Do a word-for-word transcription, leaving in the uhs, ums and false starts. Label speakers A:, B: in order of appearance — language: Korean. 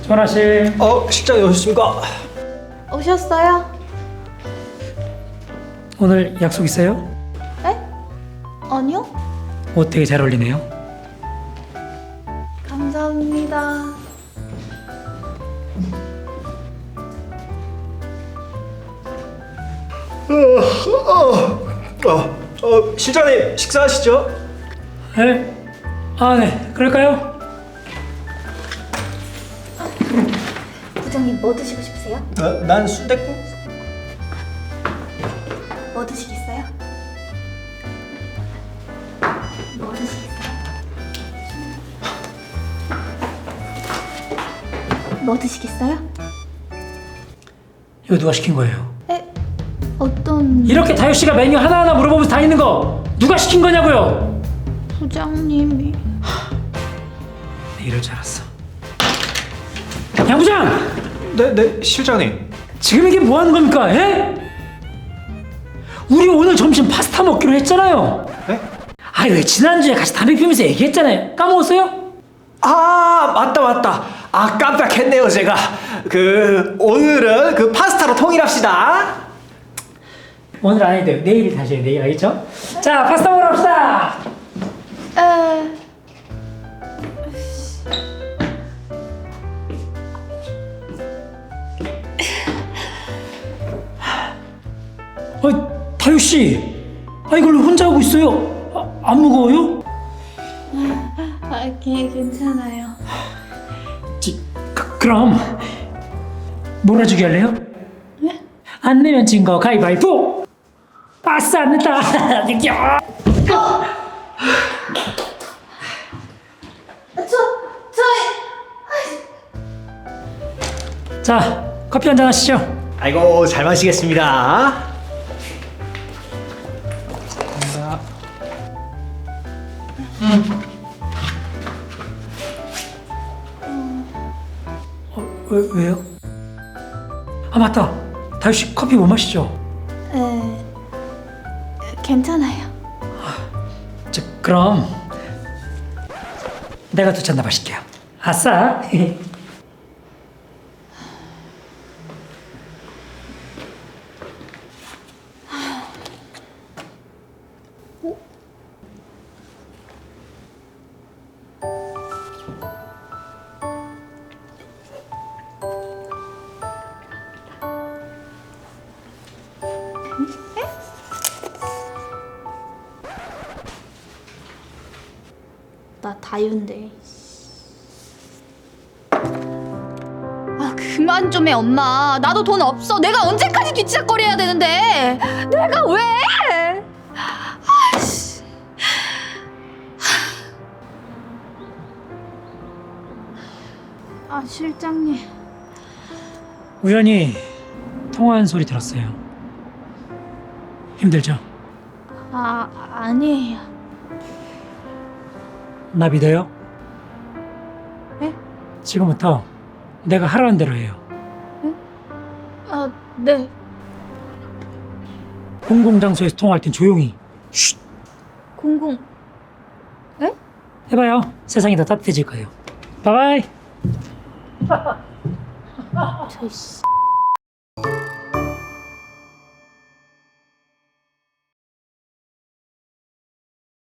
A: 전화실.
B: 어, 식장에 오셨습니까?
C: 오셨어요?
A: 오늘 약속 있어요?
C: 네? 아니요?
A: 옷 되게 잘 어울리네요.
C: 감사합니다.
B: 어, 어, 실장님 식사하시죠?
A: 네? 아, 네. 그럴까요?
C: 부장님 뭐 드시고 싶으세요?
B: 어, 난 순댓국.
C: 뭐 드시겠어요? 뭐 드시겠어요? 뭐 드시겠어요?
A: 이거 누가 시킨 거예요?
C: 에? 어떤...
A: 이렇게 다효 씨가 메뉴 하나하나 물어보면서 다니는 거 누가 시킨 거냐고요?
C: 부장님이...
A: 네, 이럴 줄 알았어. 양 부장!
B: 네, 네, 실장님.
A: 지금 이게 뭐 하는 겁니까? 에? 우리 오늘 점심 파스타 먹기로 했잖아요.
B: 네?
A: 아니 왜 지난주에 같이 담배 피우면서 얘기했잖아요. 까먹었어요?
B: 아, 맞다, 맞다. 아, 깜빡했네요, 제가. 그 오늘은 그 파스타로 통일합시다.
A: 오늘 안 해도 돼요. 내일 다시 해요. 내일 알겠죠? 자, 파스타 먹으러 갑시다.
C: 에...
A: 아, 다효 씨, 아 이걸 왜 혼자 하고 있어요? 아, 안 무거워요?
C: 아, 걔 괜찮아요.
A: 지, 그, 그럼 몰아주기 할래요?
C: 네?
A: 안 내면 진 거 가위바위보. 빠스 안 냈다.
C: 저... 저...
A: 자, 커피 한잔 하시죠.
B: 아이고, 잘 마시겠습니다.
A: 어, 왜, 왜요? 아 맞다. 다효 씨 커피 못 마시죠?
C: 에... 괜찮아요.
A: 저, 그럼 내가 두 잔 더 마실게요. 아싸.
C: 나 다윤데. 아 그만 좀 해 엄마. 나도 돈 없어. 내가 언제까지 뒤치작거려야 되는데. 내가 왜? 아이씨. 아 실장님.
A: 우연히 통화한 소리 들었어요. 힘들죠?
C: 아 아니에요.
A: 나 믿어요?
C: 네?
A: 지금부터 내가 하라는 대로 해요.
C: 아 네.
A: 공공장소에서 통화할 땐 조용히 쉿
C: 공공. 에?
A: 해봐요. 세상이 더 따뜻해질 거예요. 바이바이.
C: 저씨.